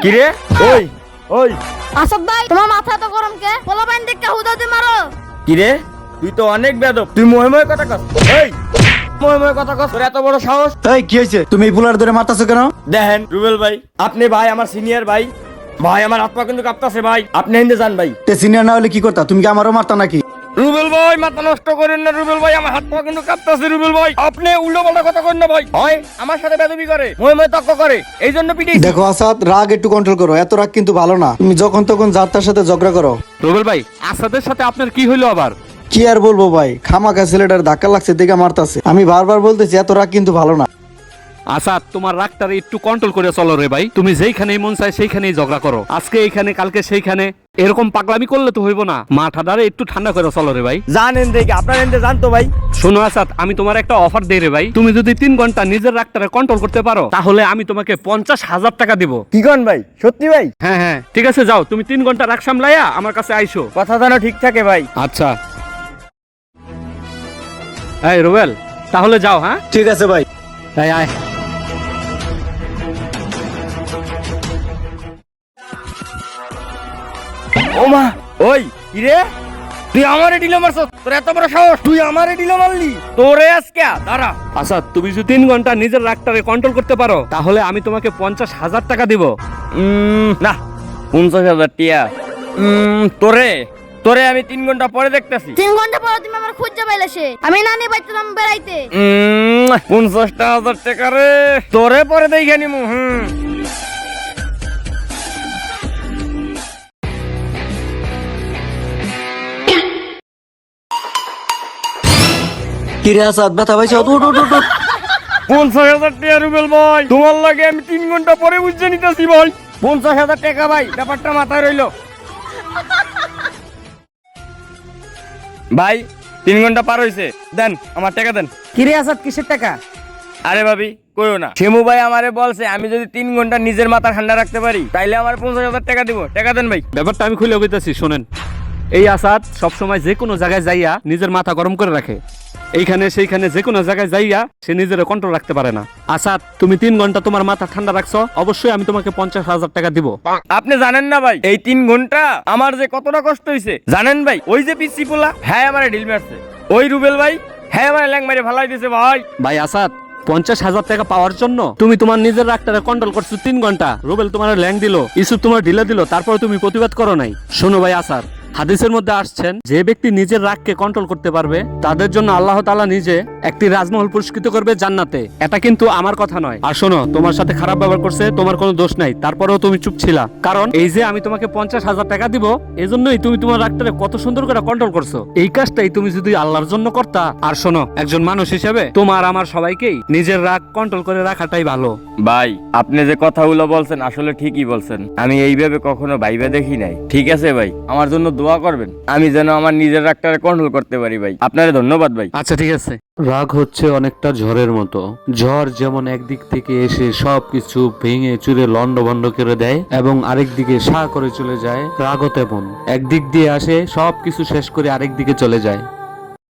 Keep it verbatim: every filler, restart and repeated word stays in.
কি রে? ওই ওই আসাদ ভাই, তোমার মাথা তো গরম কে? পোলা বাইন দেখে হুদাতে মারো। কি রে, তুই তো অনেক বেয়াদব। তুই মহে মহে কথা কস। এই মহে মহে কথা কস, তোর এত বড় সাহস? এই কি হয়েছে? তুমি এই পুলার ধরে মারতাছো কেন? দেখেন রুবেল ভাই, আপনি ভাই আমার সিনিয়র ভাই। ভাই আমার হাত পা কিন্তু কাঁপতাছে ভাই। আপনি হিন্দে যান ভাই। তে সিনিয়র না হলে কি করতা? তুমি কি আমারও মারতা নাকি? রুবেল ভাই মাথা নষ্ট করেন না রুবেল ভাই, আমার হাত পা কিন্তু কাঁপতাছে রুবেল ভাই। আপনি উল্টো পাল্টা কথা করেন না ভাই। হয় আমার সাথে বেদবি করে, মহে মহে তর্ক করে, এই জন্য পিটিয়েছি। দেখো আসাদ, রাগ একটু কন্ট্রোল করো। এত রাগ কিন্তু ভালো না। তুমি যখন তখন যার তার সাথে ঝগড়া করো। রুবেল ভাই, আসাদের সাথে আপনার কি হইলো আবার? কি আর বলবো ভাই, খামাকা ছেলেটার ধাক্কা লাগছে দেখে মারতাছে। আমি বারবার বলতেছি এত রাগ কিন্তু ভালো না। আসাদ, তোমার রাগটারে একটু কন্ট্রোল করে চলো রে ভাই। তুমি যেইখানেই মন চায় সেইখানেই ঝগড়া করো, আজকে এইখানে কালকে সেইখানে। এরকম পাগলামি করলে তো হইব না। মাথাটারে একটু ঠান্ডা করে চলো রে ভাই। জানেন দেখে আপনার হিন্দে জানতো ভাই। শোনো আসাদ, আমি তোমার একটা অফার দেই রে ভাই। তুমি যদি তিন ঘন্টা নিজের রাগটারে কন্ট্রোল করতে পারো, তাহলে আমি তোমাকে পঞ্চাশ হাজার টাকা দিব। কি কন ভাই? সত্যি ভাই? হ্যাঁ হ্যাঁ, ঠিক আছে, যাও তুমি তিন ঘন্টা রাগ সামলাইয়া আমার কাছে আইসো। কথা যেন ঠিক থাকে ভাই। আচ্ছা এই রুবেল, তাহলে যাও। হ্যাঁ ঠিক আছে ভাই। এই আয়। ও মা, ওই কি রে, তুই আমারে ডিলো মারছ? তোর এত বড় সাহস, তুই আমারে ডিলো মারলি? তোরে আজকে দাঁড়া। আচ্ছা, তুমি যদি তিন ঘন্টা নিজের রাগটারে কন্ট্রোল করতে পারো, তাহলে আমি তোমাকে পঞ্চাশ হাজার টাকা দিব। উম, না, পঞ্চাশ হাজার টিয়া। উম, তোরে তোরে আমি তিন ঘন্টা পরে দেখতেছি। তিন ঘন্টা পর তুমি আমার খুঁজে পাইলে সে। আমি নানি বাইতাম বেড়াইতে। উম, পঞ্চাশটা হাজার টাকা রে, তোরে পরে দেখে নিমু। হুম, কি রে আসাদ, ব্যথা পাইছো? উঠ উঠ উঠ উঠ। পঞ্চাশ হাজার টাকা রুবেল ভাই, তোমার লাগে আমি তিন ঘন্টা পরে বুঝতে নিতেছি ভাই। পঞ্চাশ হাজার টাকা ভাই, ব্যাপারটা মাথায় রইলো ভাই। তিন ঘন্টা পার হইছে, দেন আমার টাকা দেন। কিরে আসাদ, কিসের টাকা? আরে ভাবি কইও না, শিমু ভাই আমারে বলছে আমি যদি তিন ঘন্টা নিজের মাথা ঠান্ডা রাখতে পারি তাইলে আমার পঞ্চাশ হাজার টাকা দিব। টাকা দেন ভাই। ব্যাপারটা আমি খুলে কইতাছি, শোনেন। এই আসাদ সবসময় যে কোনো জায়গায় যাইয়া নিজের মাথা গরম করে রাখে। এইখানে সেইখানে যে কোনো জায়গায় যাইয়া সে নিজের কন্ট্রোল রাখতে পারে না। আসাদ, তুমি তিন ঘন্টা তোমার মাথা ঠান্ডা রাখছো, অবশ্যই আমি তোমাকে পঞ্চাশ হাজার টাকা দিব। আপনি জানেন না ভাই, এই তিন ঘন্টা আমার যে কতটা কষ্ট হইছে জানেন ভাই? ওই যে পিসি পোলা, হ্যাঁ আমারে ঢিল মারছে। ওই রুবেল ভাই, হ্যাঁ আমারে ল্যাং মারে ভালাই দিছে ভাই। ভাই আসাদ, পঞ্চাশ হাজার টাকা পাওয়ার জন্য তুমি তোমার নিজের রাগটারে কন্ট্রোল করছো তিন ঘন্টা। রুবেল তোমার ল্যাং দিল, ইসুফ তোমার ঢিলা দিল, তারপরে তুমি প্রতিবাদ করো নাই। শোনো ভাই আসাদ, হাদিসের মধ্যে আসছেন যে ব্যক্তি নিজের রাগকে কন্ট্রোল করতে পারবে তাদের জন্য আল্লাহ তাআলা নিজে একটি রাজমহল পুরস্কৃত করবে জান্নাতে। এটা কিন্তু আমার কথা নয়। আর শোনো, তোমার সাথে খারাপ ব্যবহার করছে, তোমার কোনো দোষ নাই, তারপরেও তুমি চুপ ছিলা। কারণ এই যে আমি তোমাকে পঞ্চাশ হাজার টাকা দিব, এজন্যই তুমি তোমার রাগটারে কত সুন্দর করে কন্ট্রোল করছো। এই কাজটাই তুমি যদি আল্লাহর জন্য করতা। আর শোনো, একজন মানুষ হিসেবে তোমার আমার সবাইকেই নিজের রাগ কন্ট্রোল করে রাখাটাই ভালো। ভাই আপনি যে কথাগুলো বলছেন আসলে ঠিকই বলছেন, আমি এইভাবে কখনো ভাইবা দেখি নাই। ঠিক আছে ভাই, আমার জন্য দোয়া করবেন, আমি যেন আমার নিজের রাগটারে কন্ট্রোল করতে পারি ভাই। আপনারে ধন্যবাদ ভাই। আচ্ছা ঠিক আছে। রাগ হচ্ছে অনেকটা ঝড়ের মতো। ঝড় যেমন একদিক থেকে এসে সবকিছু ভেঙে চুরে লন্ডভন্ড করে দেয় এবং আরেক দিকে সা করে চলে যায়, রাগও তেমন একদিক দিয়ে আসে সবকিছু শেষ করে আরেক দিকে চলে যায়।